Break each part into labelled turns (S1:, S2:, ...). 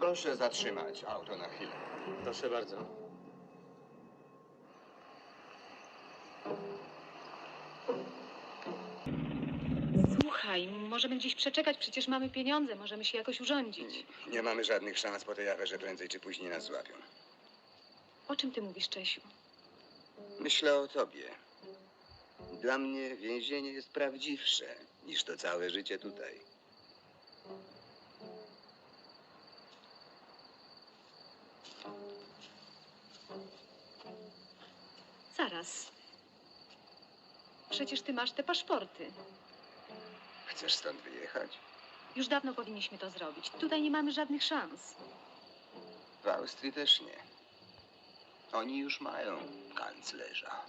S1: Proszę zatrzymać auto na chwilę.
S2: Proszę bardzo.
S3: Słuchaj, możemy gdzieś przeczekać, przecież mamy pieniądze, możemy się jakoś urządzić.
S1: Nie mamy żadnych szans po tej aferze, prędzej czy później nas złapią.
S3: O czym ty mówisz, Czesiu?
S1: Myślę o tobie. Dla mnie więzienie jest prawdziwsze niż to całe życie tutaj.
S3: Zaraz. Przecież ty masz te paszporty.
S1: Chcesz stąd wyjechać?
S3: Już dawno powinniśmy to zrobić. Tutaj nie mamy żadnych szans.
S1: W Austrii też nie. Oni już mają kanclerza.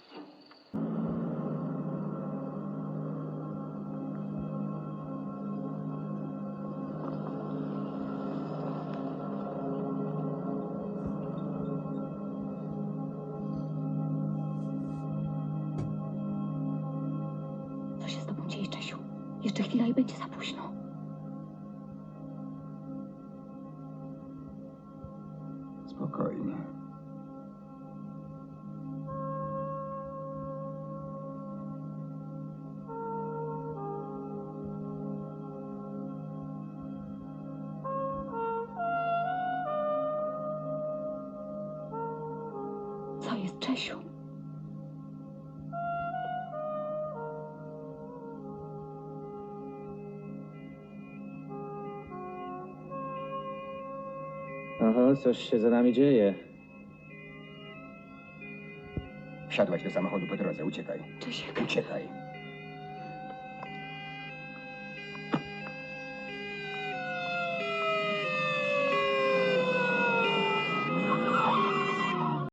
S3: Co się z tobą dzieje, Czesiu? Jeszcze chwila i będzie za późno.
S1: Spokojnie.
S3: Co jest, Czesiu?
S2: Oho, coś się za nami dzieje.
S1: Wsiadłaś do samochodu po drodze, uciekaj.
S3: Czesiek,
S1: Uciekaj.